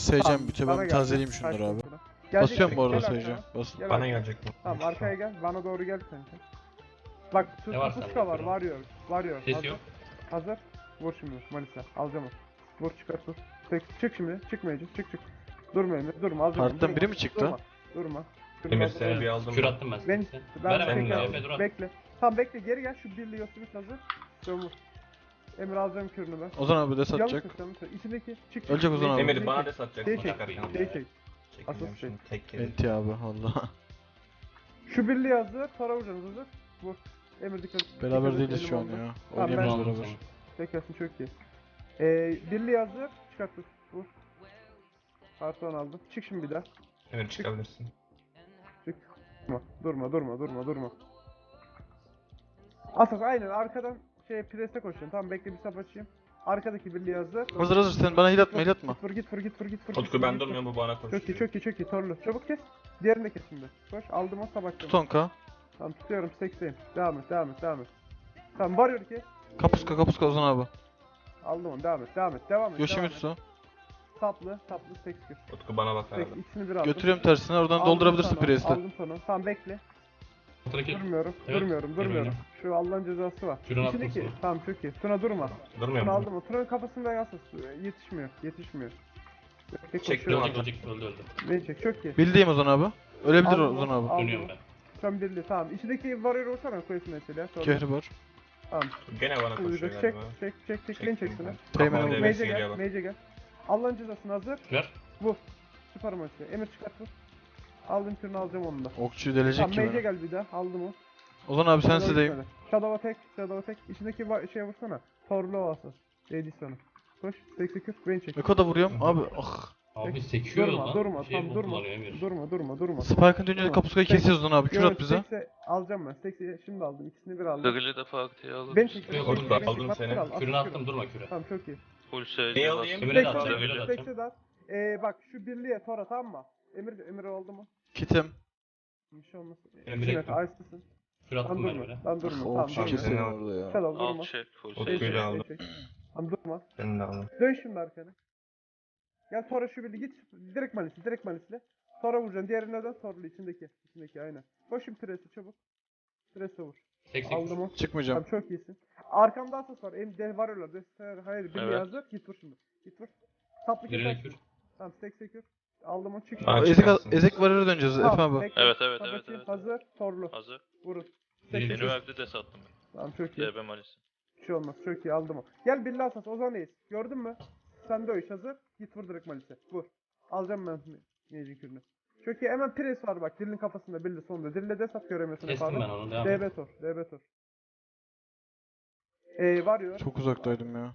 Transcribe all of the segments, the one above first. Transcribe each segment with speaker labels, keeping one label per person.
Speaker 1: Seyircem bitiyor.
Speaker 2: bana
Speaker 1: Ben
Speaker 2: gel.
Speaker 1: tazeleyeyim şunları
Speaker 2: Kaç
Speaker 1: abi.
Speaker 2: sonra. Gelecek
Speaker 1: Basıyorum bu
Speaker 2: mi?
Speaker 1: arada
Speaker 2: Gel
Speaker 1: Seyircem.
Speaker 2: arkana.
Speaker 1: Bas.
Speaker 2: Gel
Speaker 3: Bana
Speaker 2: arkana.
Speaker 3: gelecek bu.
Speaker 2: Tamam arkaya gel. Bana doğru gel kanka. Bak
Speaker 4: Ne var
Speaker 2: Tutuska
Speaker 4: sende?
Speaker 2: var. Varıyor. Varıyor.
Speaker 4: Ses
Speaker 2: Hazır.
Speaker 4: yok.
Speaker 2: Hazır. Vur şimdi Manisa. Alacağım onu. Vur çıkart vur. Çık şimdi. Çıkmayacak. Çık. Durma Emir. Durma. Alacağım onu.
Speaker 1: Partiden
Speaker 2: Durma.
Speaker 1: biri mi çıktı?
Speaker 2: Durma.
Speaker 3: Emir seni bir aldım.
Speaker 4: Kür attım ben
Speaker 2: Ben,
Speaker 4: sana.
Speaker 2: ben
Speaker 4: Ver hemen.
Speaker 2: bekle.
Speaker 4: Efe dur at.
Speaker 2: Bekle. Tamam bekle. Geri gel. Şu birliği Yosunus hazır. Dön vur. Emir alacağım kürünü ben.
Speaker 1: Ozan abi de
Speaker 2: Yanlış
Speaker 1: satacak.
Speaker 2: mı? İçindeki. Çık.
Speaker 1: Ölecek Ozan abi.
Speaker 3: Emir bana da satacaksın.
Speaker 2: Şey çek.
Speaker 3: Çıkarken.
Speaker 2: Şey çek.
Speaker 3: Çekeceğim
Speaker 2: Asıl
Speaker 3: şimdi tek kere.
Speaker 1: Enti abi valla.
Speaker 2: Şu birliği hazır. Sonra vuracaksınız hazır. Vur. Emir dikkat.
Speaker 1: Beraber
Speaker 2: dikkat et,
Speaker 1: değiliz
Speaker 2: elim
Speaker 1: şu an
Speaker 2: oldu.
Speaker 1: ya.
Speaker 2: Tamam,
Speaker 1: Oynayamıyoruz
Speaker 4: ben-
Speaker 1: beraber.
Speaker 2: Tekersin çok iyi. Birliği hazır. Çıkart vur. Vur. Artı aldım. Çık şimdi bir daha.
Speaker 3: Emir çıkabilirsin.
Speaker 2: Çık. Durma. Asas aynen arkadan prese koşuyorsun. Tamam bekle bir sap açayım. Arkadaki birliği hazır.
Speaker 1: Hazır sen bana heal atma heal atma.
Speaker 2: Git vur.
Speaker 3: Utku ben durmuyorum bu bana koşuyor.
Speaker 2: Çok iyi. Torlu. Çabuk kes. Diğerini de kes şimdi. Koş. Aldım o sabah.
Speaker 1: Tut 10k.
Speaker 2: Tamam tutuyorum. 80'im. Devam et. Tamam varıyor kes.
Speaker 1: Kapuska Ozan abi.
Speaker 2: Aldım onu. Devam et.
Speaker 1: Yoshimitsu.
Speaker 2: Saplı 80.
Speaker 3: Utku bana bak abi.
Speaker 2: İkisini bir aldım.
Speaker 1: Götürüyorum tersine oradan
Speaker 2: Aldım
Speaker 1: doldurabilirsin
Speaker 2: sonra,
Speaker 1: Priest'e.
Speaker 2: Aldım sonra. Tamam bekle.
Speaker 4: Ortadaki.
Speaker 2: Durmuyorum.
Speaker 4: Evet.
Speaker 2: Şu Allah'ın cezası var.
Speaker 4: Şuradan
Speaker 2: İçindeki.
Speaker 4: attım
Speaker 2: Tamam çok iyi. Tuna durma.
Speaker 3: Durmuyor
Speaker 2: Tuna
Speaker 3: mu?
Speaker 2: aldım o. Tuna'nın kafasında yasas. Yetişmiyor. Tek
Speaker 3: Çektim
Speaker 2: koşuyor.
Speaker 3: ama.
Speaker 4: Öldü.
Speaker 2: Beni çek. Çok iyi.
Speaker 1: Bildiğim Ozan abi. Ölebilir
Speaker 2: Aldım
Speaker 1: Ozan
Speaker 2: o,
Speaker 1: abi.
Speaker 2: aldım
Speaker 4: Dönüyorum
Speaker 2: o.
Speaker 4: ben.
Speaker 2: Sen birli tamam. İçindeki varıyor olsana koyuyorsun mesela. Sonra.
Speaker 1: Kehribar.
Speaker 2: Tamam.
Speaker 3: Gene bana
Speaker 2: Şimdi
Speaker 3: koşuyor
Speaker 2: çek.
Speaker 3: galiba.
Speaker 2: Beni çek şuna.
Speaker 1: Teğmen
Speaker 3: Kafama
Speaker 1: oldu.
Speaker 3: devesi geliyor bak.
Speaker 2: Mage'e gel. Allah'ın cezasını hazır.
Speaker 4: Ver.
Speaker 2: Vur. Süper maçı. Emir çıkart vur. Aldım türünü alacağım onu da.
Speaker 1: Okçuyu delecek
Speaker 2: Tamam
Speaker 1: ki
Speaker 2: Mage'e
Speaker 1: beni.
Speaker 2: gel bir daha. Aldım o.
Speaker 1: Ozan abi
Speaker 2: Shadow'a
Speaker 1: sensideyim.
Speaker 2: gitmedi. Shadow'a tek. İçindeki şeye vursana. Torlu ovası. Değdi sana. Koş. 82. Beni çek.
Speaker 1: Eko da vuruyorum. Abi ah.
Speaker 4: Abi sekiyor lan.
Speaker 2: Durma.
Speaker 4: Bir şey
Speaker 2: Tamam durma.
Speaker 4: kullanıyor Emir.
Speaker 2: Durma.
Speaker 1: Spike'ın dönünce
Speaker 2: Tamam.
Speaker 1: kapuskayı kesiyoruz Ozan abi. Kür at bize.
Speaker 2: Alacağım ben. 80 şimdi aldım. İkisini bir aldım.
Speaker 5: Dagıl'ı da faktiye alır.
Speaker 2: Ben
Speaker 5: mısın?
Speaker 2: çekiyorum.
Speaker 4: Yok,
Speaker 3: Orada aldım seni.
Speaker 4: Kürünü attım durma küre.
Speaker 2: Tamam çok iyi.
Speaker 5: Full
Speaker 3: Ne
Speaker 5: SC
Speaker 3: alayım?
Speaker 4: Emir'e de
Speaker 5: bas.
Speaker 4: atacağım.
Speaker 5: Dagıl'ı.
Speaker 4: Emir'e de atacağım.
Speaker 2: Bak şu birliğe tora tamam mı? Emir oldu mu?
Speaker 1: Kitim.
Speaker 2: Bir şey olmaz.
Speaker 4: Emir
Speaker 2: Evet,
Speaker 4: ektim.
Speaker 2: Ice'lısın.
Speaker 4: Kür
Speaker 2: Lan
Speaker 4: attım ben
Speaker 2: durma.
Speaker 4: öyle.
Speaker 2: Lan durma. Tamam
Speaker 1: Okçu
Speaker 2: durma.
Speaker 1: keselim
Speaker 3: Tamam.
Speaker 1: orada ya.
Speaker 2: Shadow durma.
Speaker 5: Alt çek full
Speaker 3: Utku'yu
Speaker 5: SC.
Speaker 3: da aldım.
Speaker 2: Tamam durma.
Speaker 3: Seni de aldım.
Speaker 2: Dön şimdi arkana. Gel Tora şu birliği git. Direkt malisle. Tora vuracaksın. Diğerine dön. Torlu içindeki aynen. Koş şimdi presi çabuk. Presi vur.
Speaker 4: 80.
Speaker 2: Aldım o.
Speaker 1: Çıkmayacağım.
Speaker 2: Tamam çok iyisin. Arkamda asas var. Elimde varıyorlar. Hayır birliği
Speaker 5: Evet.
Speaker 2: hazır. Git vur şimdi. Git vur. Saplı
Speaker 4: Birine
Speaker 2: keser.
Speaker 4: kür.
Speaker 2: Tamam sekür. Aldım o çık.
Speaker 3: Aa,
Speaker 1: Ezek,
Speaker 3: çıkarsın.
Speaker 1: ezek varır'a döneceğiz Efe abi.
Speaker 2: bekle.
Speaker 5: Evet.
Speaker 2: Kapatayım. Hazır. Torlu.
Speaker 5: Hazır.
Speaker 2: Vurun.
Speaker 4: Birine
Speaker 5: Benim
Speaker 4: kür.
Speaker 5: evde de sattım ben.
Speaker 2: Tamam çok iyi.
Speaker 5: DB Malisi.
Speaker 2: Bir şey olmaz. Çok iyi aldım o. Gel Billy Asas. Ozan Reis. Gördün mü? Sen de o iş hazır. Git vur direkt Malis'e. Vur. Alacağım ben Mecin kürünü. Çok iyi. Hemen pres var bak. Dilin kafasında. Billy sonunda. Dille de sat göremiyorsun.
Speaker 4: Kestim ben onu. Devam et.
Speaker 2: DB Tor. Varıyor.
Speaker 1: Çok uzaktaydım ya.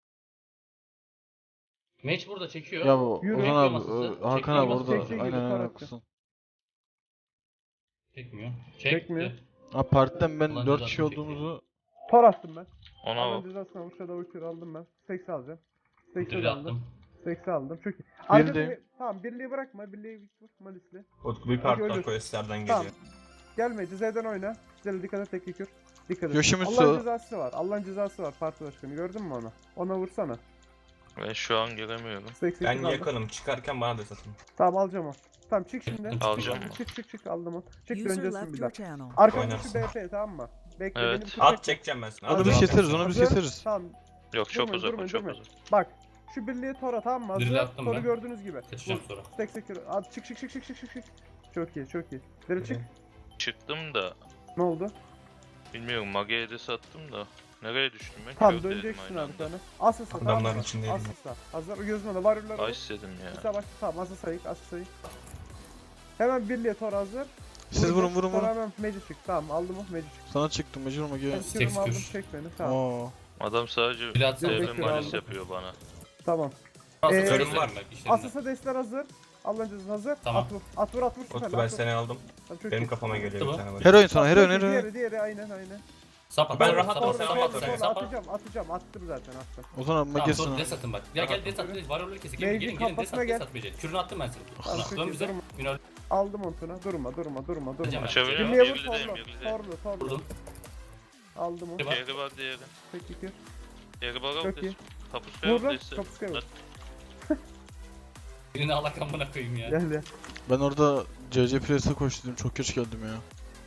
Speaker 4: Mage burada çekiyor.
Speaker 1: Ya bu
Speaker 2: Yürü.
Speaker 1: Ozan abi,
Speaker 4: Çekmiyor
Speaker 1: Hakan abi
Speaker 4: masası.
Speaker 1: orada.
Speaker 2: Çektiği gibi
Speaker 1: Aynen
Speaker 2: sonra
Speaker 1: haklısın.
Speaker 4: Çekmiyor.
Speaker 2: Çekmiyor.
Speaker 4: Çekti.
Speaker 1: Ha partiden ben
Speaker 4: Ulan
Speaker 1: 4
Speaker 4: cezasını
Speaker 1: kişi
Speaker 4: çekti.
Speaker 1: olduğumuzu
Speaker 2: Tor attım ben.
Speaker 5: Ona
Speaker 2: Alın
Speaker 5: o.
Speaker 2: cezasına vur. Shadow kür aldım ben. 80 alacağım. 80
Speaker 4: Kürü
Speaker 2: aldım.
Speaker 4: attım.
Speaker 2: 80 aldım. Çok iyi.
Speaker 1: Bildi.
Speaker 2: Arkada tamam birliği bırakma. Birliği vur Malis'le.
Speaker 3: Utku bir
Speaker 2: Hadi
Speaker 3: parktan
Speaker 2: ölür.
Speaker 3: questlerden
Speaker 2: Tamam.
Speaker 3: geliyor.
Speaker 2: Gelme Z'den oyna. Z'le dikkat et tek kür. Dikkat et.
Speaker 1: Yoshimitsu.
Speaker 2: Allah'ın cezası var parti başkanı. Gördün mü onu? Ona vursana.
Speaker 5: Ben şu an giremiyorum.
Speaker 2: 88
Speaker 3: Ben
Speaker 2: aldım.
Speaker 3: yakınım. Çıkarken bana da satın.
Speaker 2: Tamam alacağım o. Tamam çık şimdi.
Speaker 5: Alacağım mı?
Speaker 2: Çık aldım o. Çık
Speaker 6: User
Speaker 2: döneceksin
Speaker 6: left
Speaker 2: bir
Speaker 6: your
Speaker 2: daha.
Speaker 6: channel.
Speaker 2: Arkamda
Speaker 3: Oynarsın.
Speaker 2: şu BP tamam mı? Bekle
Speaker 5: Evet.
Speaker 2: beni bir
Speaker 3: At
Speaker 2: çekme.
Speaker 3: çekeceğim ben sana.
Speaker 1: Onu
Speaker 3: At
Speaker 1: biz
Speaker 3: çekeceğim.
Speaker 1: keseriz, onu biz
Speaker 2: Hazır.
Speaker 1: keseriz.
Speaker 2: Tamam
Speaker 5: Yok çok
Speaker 2: Durma,
Speaker 5: uzak
Speaker 2: durma,
Speaker 5: o çok
Speaker 2: durma.
Speaker 5: uzak.
Speaker 2: bak. Şu birliği tora tamam mı? Hazır.
Speaker 4: Dirili attım
Speaker 2: Toru
Speaker 4: ben.
Speaker 2: gördüğünüz gibi.
Speaker 4: Kaçacağım sonra.
Speaker 2: Tek at çık. Çok iyi. Deri çık.
Speaker 5: Çıktım da
Speaker 2: Ne oldu?
Speaker 5: bilmiyorum Mage'ye de sattım da. Nereye düştüm ben?
Speaker 2: Tamam
Speaker 5: Kör dedim
Speaker 2: döneceksin
Speaker 5: aynı anda.
Speaker 2: arkana. Asasa tamam
Speaker 3: Adamların
Speaker 2: mı?
Speaker 3: içindeydim.
Speaker 2: Asasa. Hazır. Gözüne de varıyorlar.
Speaker 5: Ay istedim
Speaker 2: Bir
Speaker 5: ya.
Speaker 2: sabah tamam Asasa'yı. Hemen birliğe tor hazır.
Speaker 1: Siz vurun.
Speaker 2: Sonra hemen Magic çık. Tamam aldım o Magic çık.
Speaker 1: Sana çıktım mecbur mu
Speaker 2: Ben
Speaker 1: gel.
Speaker 2: kürümü aldım
Speaker 4: kür.
Speaker 2: çek beni. Tamam.
Speaker 1: Oo.
Speaker 5: Adam sadece
Speaker 4: Bir atsana.
Speaker 5: DB
Speaker 2: Bekle,
Speaker 5: Malis
Speaker 2: aldım.
Speaker 5: yapıyor bana.
Speaker 2: Tamam.
Speaker 3: Körüm var.
Speaker 2: Asasa destler hazır. Allah'ın cezası hazır.
Speaker 4: Tamam.
Speaker 2: At vur süper.
Speaker 3: Utku ben seni aldım.
Speaker 2: Tamam, çok
Speaker 3: Benim
Speaker 2: iyi.
Speaker 3: kafama geliyor bir
Speaker 4: Tamam.
Speaker 3: tane var.
Speaker 1: Heroin sana, heroin.
Speaker 2: Diğeri aynen.
Speaker 4: Sap at.
Speaker 3: Ben
Speaker 4: sap,
Speaker 3: rahat
Speaker 4: sap,
Speaker 3: ol,
Speaker 4: sap,
Speaker 3: sen
Speaker 4: sap,
Speaker 3: rahat ol.
Speaker 4: sap, sap.
Speaker 2: Atacağım. Attım zaten attım.
Speaker 1: Ozan abi
Speaker 4: Tamam
Speaker 1: magesin
Speaker 4: sonra
Speaker 1: o.
Speaker 4: des atın bak. Ya gel des at. Var öyle kesin.
Speaker 2: Mevcut
Speaker 4: Gelin des
Speaker 2: kafasına
Speaker 4: at.
Speaker 2: gel.
Speaker 4: Des at beceri. Kürünü attım ben seni.
Speaker 2: Tamam, çok
Speaker 4: Dön
Speaker 2: iyi,
Speaker 4: bize.
Speaker 2: durma.
Speaker 4: Minor
Speaker 2: Aldım ontuna. Durma.
Speaker 4: Hocam,
Speaker 5: Açabiliyor muyum?
Speaker 2: Birliğe vur
Speaker 5: Birliğdeyim birliğdeyim.
Speaker 2: torlu.
Speaker 4: vurdum.
Speaker 2: Aldım o.
Speaker 4: Bak.
Speaker 5: Yeri var diğeri.
Speaker 2: Tek kür.
Speaker 5: Yeri var
Speaker 2: Çok iyi.
Speaker 5: Tapus ver
Speaker 2: Vur lan.
Speaker 5: destek.
Speaker 2: Kapuskaya vur.
Speaker 4: Birini alak amına koyayım ya.
Speaker 2: Gel ya.
Speaker 1: Ben orada CC Press'e koştum. Çok geç geldim ya.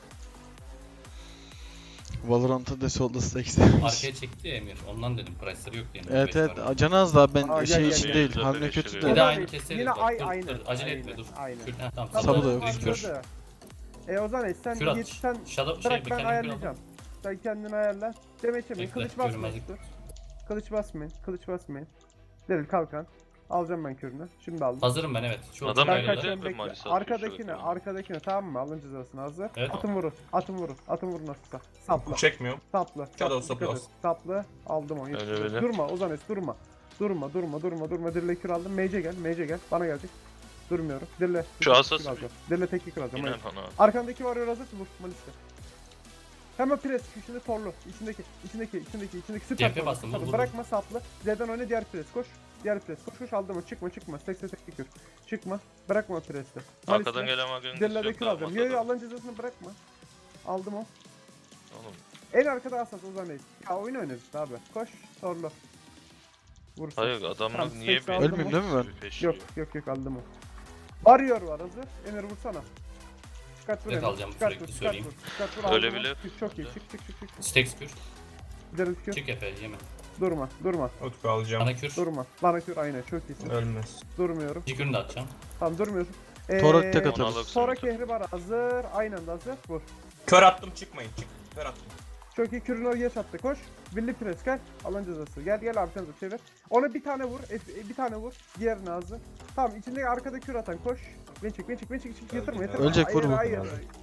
Speaker 1: Valorant'ta Desolt'da Stacks
Speaker 4: Arkaya çekti ya Emir. Ondan dedim. Price'ları yok diye.
Speaker 1: Evet evet. Canı az daha ben
Speaker 2: Aa,
Speaker 1: şey
Speaker 2: gel,
Speaker 1: için
Speaker 2: gel,
Speaker 1: değil.
Speaker 5: gel.
Speaker 1: Hamle kötü
Speaker 5: Bir
Speaker 1: de.
Speaker 4: Bir de
Speaker 2: Ozan
Speaker 4: aynı
Speaker 2: Bey,
Speaker 4: keseriz
Speaker 2: yine
Speaker 4: bak. Dur,
Speaker 2: aynı.
Speaker 4: dur, acele etme
Speaker 2: Aynen,
Speaker 4: dur.
Speaker 2: aynen.
Speaker 4: Kür, tamam.
Speaker 1: Sabı da yok.
Speaker 2: Başladı. Ozan Bey sen
Speaker 4: Kür at.
Speaker 2: git sen
Speaker 4: Shadow
Speaker 2: bırak
Speaker 4: şey
Speaker 2: ben
Speaker 4: mekanik
Speaker 2: ayarlayacağım. Sen kendini ayarla. Demeçemeyin.
Speaker 4: Bekle,
Speaker 2: Kılıç basmayın.
Speaker 4: görünmezlik.
Speaker 2: Dur. Kılıç basmayın. Kılıç basmayın. Delil kalkan. Alacağım ben kürünü. Şimdi aldım.
Speaker 4: Hazırım ben evet. Şu
Speaker 5: Adam
Speaker 2: Ben
Speaker 5: öyle
Speaker 2: kaçıyorum
Speaker 5: de
Speaker 2: bekle.
Speaker 5: Malis atıyor
Speaker 2: Arkadakine,
Speaker 5: sürekli.
Speaker 2: arkadakine tamam mı? Alın cezasını hazır.
Speaker 4: Evet.
Speaker 2: Atın vurun. Atın vurun. Atın vurun nasılsa. Sapla.
Speaker 3: Çekmiyorum.
Speaker 2: Saplı.
Speaker 3: Shadow
Speaker 2: Saplı.
Speaker 3: saplı
Speaker 2: dikkat et. Saplı. Aldım onu.
Speaker 5: Öyle öyle.
Speaker 2: Durma Ozan Es durma. Durma. Dirle kür aldım. Mage'e gel. Bana gelecek. Durmuyorum. Dirle.
Speaker 5: Şu asası
Speaker 2: Dirle tek kür alacağım.
Speaker 5: Yine
Speaker 2: Hayır.
Speaker 5: bana.
Speaker 2: Arkandaki varıyor hazır. Vur. Malis'te. Hemen pres. Şimdi torlu. İçindeki süper
Speaker 4: CHP
Speaker 2: torlu.
Speaker 4: bastım, vur,
Speaker 2: Tabii,
Speaker 4: vur,
Speaker 2: bırakma saplı. Z'den oyna diğer pres. Koş. Diğer pres. Koş. Aldım onu. Çıkma. Tekse tek kür. Çıkma. Bırakma preste.
Speaker 5: Arkadan gelen Mage'nin
Speaker 2: Dirle de
Speaker 5: yok
Speaker 2: kür
Speaker 5: daha
Speaker 2: alacağım.
Speaker 5: masada.
Speaker 2: Yo Allah'ın cezasını bırakma. Aldım o.
Speaker 5: Oğlum
Speaker 2: En arkada asas Ozan Reis. Ya oyun oynarız işte abi. Koş. Torlu. Vursun.
Speaker 5: hayır adamlar
Speaker 2: Tamam,
Speaker 5: niye
Speaker 2: Stax
Speaker 5: bir
Speaker 2: aldım
Speaker 1: Ölmeyeyim değil mi ben?
Speaker 5: bir peşliyor?
Speaker 2: Yok aldım o. Warrior var hazır. Emir vursana. Çıkart vur
Speaker 4: Evet,
Speaker 2: Emir.
Speaker 4: alacağım,
Speaker 2: Çıkart
Speaker 4: sürekli
Speaker 2: vur.
Speaker 4: söyleyeyim.
Speaker 2: Çıkart vur.
Speaker 5: Öyle
Speaker 2: aldım o.
Speaker 5: bile-
Speaker 2: Çok iyi. Çık.
Speaker 4: Stacks kür.
Speaker 2: Gidelim kür.
Speaker 4: Çık Efe yeme.
Speaker 2: Durma.
Speaker 3: Utku alacağım.
Speaker 4: Bana kür.
Speaker 2: Durma. Bana kür aynen çok iyisin.
Speaker 3: Ölmez.
Speaker 2: Durmuyorum.
Speaker 4: İki kürünü de atacağım.
Speaker 2: Tamam durmuyorsun.
Speaker 1: Torak tek
Speaker 5: Onu
Speaker 1: atarız.
Speaker 5: alırsın
Speaker 2: Sonra
Speaker 5: bir de.
Speaker 2: kehri var hazır. Aynen de hazır. Vur.
Speaker 3: Kör attım çıkmayın. Kör attım.
Speaker 2: Çok iyi kürünü geç attı. Koş. Birli pres gel. Alın cezası. Gel abi sen de çevir. Ona bir tane vur. Bir tane vur. Diğerini hazır. Tamam içindeki arkada kür atan koş. Beni çek. Yatırma.
Speaker 1: Ölecek, vur, vur.
Speaker 2: Hayır.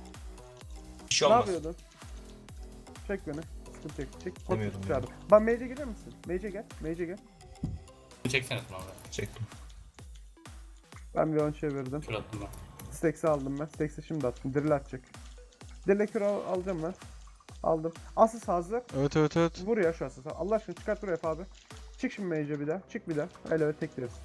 Speaker 3: Bir şey
Speaker 2: Ne
Speaker 3: olmaz.
Speaker 2: yapıyordun? Çek beni. Sıkıntı çek.
Speaker 3: Demiyorum ya.
Speaker 2: Çağırdım. Ben mage'e gelir misin? Mage'e gel.
Speaker 4: Çeksene sonra.
Speaker 3: Çektim.
Speaker 2: Ben bir ön çevirdim.
Speaker 4: Kür attım ben.
Speaker 2: Stacks'i aldım ben. Stacks'i şimdi attım. Drill atacak. Drill kür alacağım ben. Aldım. Asas hazır.
Speaker 1: Evet.
Speaker 2: Vur ya şu asası. Allah aşkına çıkart buraya abi. Çık şimdi mage'e bir daha. Çık bir daha. Öyle tek direkt.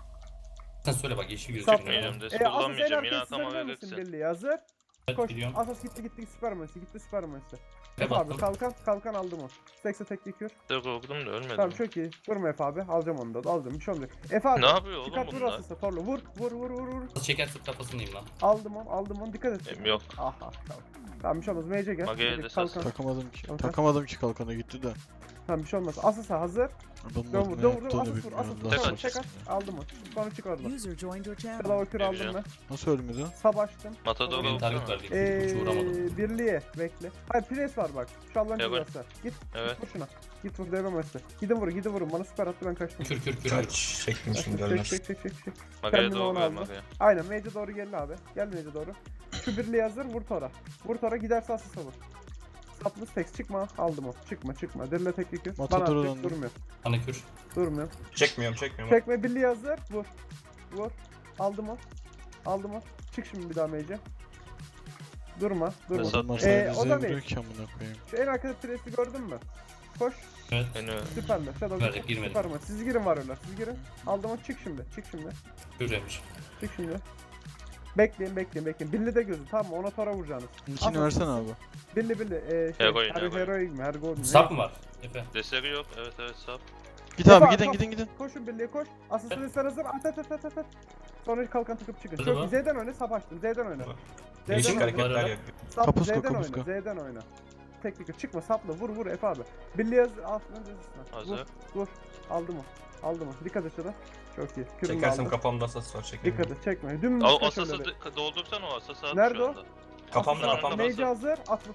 Speaker 4: Sen söyle bak yeşil
Speaker 2: Sap.
Speaker 4: gözüküyor.
Speaker 5: Çıkmayacağım des
Speaker 2: Asas en
Speaker 5: kullanmayacağım yine
Speaker 2: arkaya
Speaker 5: atama
Speaker 2: sızabilir misin
Speaker 5: verirsin.
Speaker 2: birliği hazır.
Speaker 4: Evet
Speaker 2: Koş.
Speaker 4: biliyorum.
Speaker 2: Asas gitti süper manisi.
Speaker 4: Efe
Speaker 2: Efe abi
Speaker 4: bastım.
Speaker 2: kalkan aldım o. Stacks'e tek kür.
Speaker 5: De korktum da ölmedim.
Speaker 2: Tamam çok iyi. Vurma Efe abi. Alacağım onu da. Alacağım. Bir şey olmayacak. Efe abi.
Speaker 5: Ne yapıyor oğlum
Speaker 2: Çıkart vur
Speaker 5: bunlar?
Speaker 2: asasa. Torlu. Vur.
Speaker 4: Nasıl çekersin kafasındayım lan.
Speaker 2: Aldım onu. Dikkat et.
Speaker 5: Benim yok.
Speaker 2: Aha tamam. Tamam bir şey olmaz. Mage'e gel.
Speaker 5: Mage'ye
Speaker 2: Hadi,
Speaker 5: de
Speaker 2: kalkan.
Speaker 5: sas.
Speaker 1: Takamadım ki kalkana gitti de.
Speaker 2: Tamam bir şey olmaz. Asasa hazır.
Speaker 1: Adamlar
Speaker 2: Dön
Speaker 1: ne
Speaker 2: vur.
Speaker 1: yaptığını
Speaker 2: Asas vur.
Speaker 1: bilmiyorum.
Speaker 2: Asas vur.
Speaker 1: Allah
Speaker 2: Tamam
Speaker 5: Tek
Speaker 2: çek at.
Speaker 1: aşkına.
Speaker 2: Aldım onu. Sonra çık oradan.
Speaker 6: User joined your channel.
Speaker 2: Kırlava kür aldım
Speaker 5: Vereceğim.
Speaker 2: ben.
Speaker 1: Nasıl ölmedi?
Speaker 2: Sab açtım.
Speaker 5: Matador
Speaker 4: Benim target
Speaker 5: olsana.
Speaker 4: verdik. Hiç uğramadım.
Speaker 2: Birliğe bekle. Hayır pres var bak. Şu Allah'ın
Speaker 5: Evet.
Speaker 2: cezası. Git
Speaker 5: Evet.
Speaker 2: vur şuna. Git vur devre maçta. Gidin vurun. Bana süper attı ben kaçtım.
Speaker 4: Kür.
Speaker 3: Kaç. Çektim şimdi
Speaker 2: Çek
Speaker 3: ölmez.
Speaker 2: çek.
Speaker 5: Mage'ye
Speaker 2: Kendimi
Speaker 5: doğru
Speaker 2: ona
Speaker 5: ver
Speaker 2: aldım.
Speaker 5: Mage'ye.
Speaker 2: Aynen Mage'e doğru gelin abi. Gel Mage'e doğru. Şu birliğe hazır vur tora. Vur tora giderse asıl vur. Saplı stacks çıkma aldım o. Çıkma. Dirle teknik yük. Bana
Speaker 1: Matador'a
Speaker 2: atacak
Speaker 1: döndüm.
Speaker 4: Bana kür.
Speaker 2: Durmuyor.
Speaker 3: Çekmiyorum.
Speaker 2: Çekme birliğe hazır. Vur. Aldım o. Çık şimdi bir daha Mage'e. Durma.
Speaker 5: Esat.
Speaker 1: Adamlar
Speaker 2: o
Speaker 1: sana
Speaker 2: da
Speaker 1: bize
Speaker 2: değil.
Speaker 1: vuruyor ki amına koyayım.
Speaker 2: Şu en arkada presi gördün mü? Koş.
Speaker 4: Evet.
Speaker 5: Beni
Speaker 2: Süper mi? Shadow
Speaker 4: Verdik, girmedim.
Speaker 2: Süper mi? Siz girin var öyle. Siz girin. Aldım o. Çık şimdi.
Speaker 4: Kür demiş.
Speaker 2: Çık şimdi. Bekleyin. Billi de gözü tamam mı? Ona tora vuracaksınız.
Speaker 1: İçini
Speaker 2: Asas.
Speaker 1: versene abi.
Speaker 2: Billi.
Speaker 5: Heroin.
Speaker 2: Heroin mi? Ergo mu?
Speaker 4: Sap mı var? Efe.
Speaker 5: deseri yok. Evet sap.
Speaker 1: Git abi
Speaker 2: Efe,
Speaker 1: gidin.
Speaker 2: Koşun birliğe koş. Asasını sen hazır. At. Sonra kalkan takıp çıkın.
Speaker 4: Hadi
Speaker 2: Çok
Speaker 4: bak.
Speaker 2: iyi. Z'den oyna. Sap açtım. Z'den oyna.
Speaker 3: Değişik
Speaker 2: oyna.
Speaker 3: hareketler
Speaker 4: Var,
Speaker 3: yapıyor.
Speaker 2: Sap,
Speaker 1: Kapuska,
Speaker 2: Z'den
Speaker 1: kapuska.
Speaker 2: oyna. Z'den oyna. Teknik çıkma sapla. Vur Efe abi. Birliğe hazır. Altından cezasına.
Speaker 5: Hazır.
Speaker 2: Vur. Aldım o. Dikkat et şuna. Çok iyi. Kürünü
Speaker 3: Çekersem
Speaker 2: aldım.
Speaker 3: kafamda asas var çekerim.
Speaker 2: Dikkat et çekme. Dümdüz
Speaker 5: O
Speaker 2: kaç
Speaker 5: asası
Speaker 2: önleri.
Speaker 5: doldursan o asası at
Speaker 2: Nerede
Speaker 5: şu
Speaker 2: o?
Speaker 5: anda.
Speaker 3: Kafamda
Speaker 5: Asasın
Speaker 3: kafamda.
Speaker 5: önünde
Speaker 2: Mage hazır. At vur.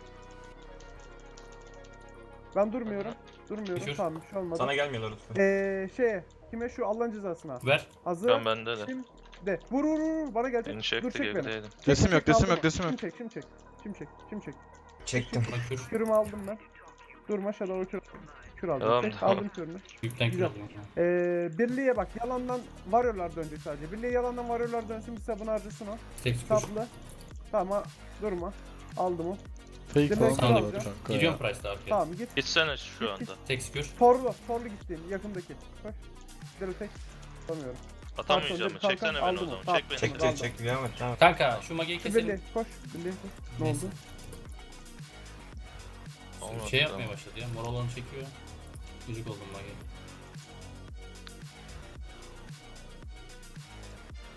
Speaker 2: Ben durmuyorum.
Speaker 4: Kür.
Speaker 2: Tamam bir şey olmadı.
Speaker 3: Sana gelmiyorlar lütfen.
Speaker 2: Kime şu Allah'ın cezasına.
Speaker 4: Ver.
Speaker 2: Hazır.
Speaker 5: Ben bende de.
Speaker 2: Şimdi de. Vur. Bana gelecek.
Speaker 5: Beni
Speaker 2: Dur
Speaker 5: çekti
Speaker 2: çek beni.
Speaker 5: gerideydim.
Speaker 1: Resim yok.
Speaker 2: Aldım.
Speaker 1: Çek.
Speaker 2: Şimdi çek.
Speaker 3: Çektim.
Speaker 4: Bana kür.
Speaker 2: Kürümü aldım ben. Durma Shadow kür aldım.
Speaker 5: Tamam,
Speaker 2: Çek,
Speaker 5: tamam.
Speaker 2: aldım kürünü.
Speaker 4: Yükten kür
Speaker 2: Güzel.
Speaker 4: alıyorum.
Speaker 2: Birliğe bak yalandan varyorlar dönecek sadece. Birliğe yalandan varyorlar dönsün bir sabun harcasın o.
Speaker 4: Stacks kür.
Speaker 2: Saplı. Tamam durma. Aldım o.
Speaker 1: Fake
Speaker 2: Direkt
Speaker 1: falan
Speaker 2: alacağım.
Speaker 1: var kanka ya.
Speaker 4: Gidiyorum Price'da arkaya.
Speaker 2: Tamam git.
Speaker 5: Gitsene şu anda.
Speaker 4: Stacks kür.
Speaker 2: Torlu gittiğin yakındaki. Koş. Direkt tek. Tutamıyorum.
Speaker 5: Atamayacağım.
Speaker 2: Kalkan,
Speaker 5: Çeksene beni
Speaker 2: aldım
Speaker 5: o zaman.
Speaker 2: onu.
Speaker 5: Çek beni.
Speaker 3: Çekti çekti devam et tamam.
Speaker 4: Kanka şu mageyi
Speaker 2: Şu
Speaker 4: keselim.
Speaker 2: birliğe koş. Birliğe koş. Ne
Speaker 4: Neyse.
Speaker 2: oldu?
Speaker 5: Olmadı,
Speaker 4: Şey
Speaker 5: tamam.
Speaker 4: yapmaya başladı ya. Mor olanı çekiyor. Gıcık oldum mage.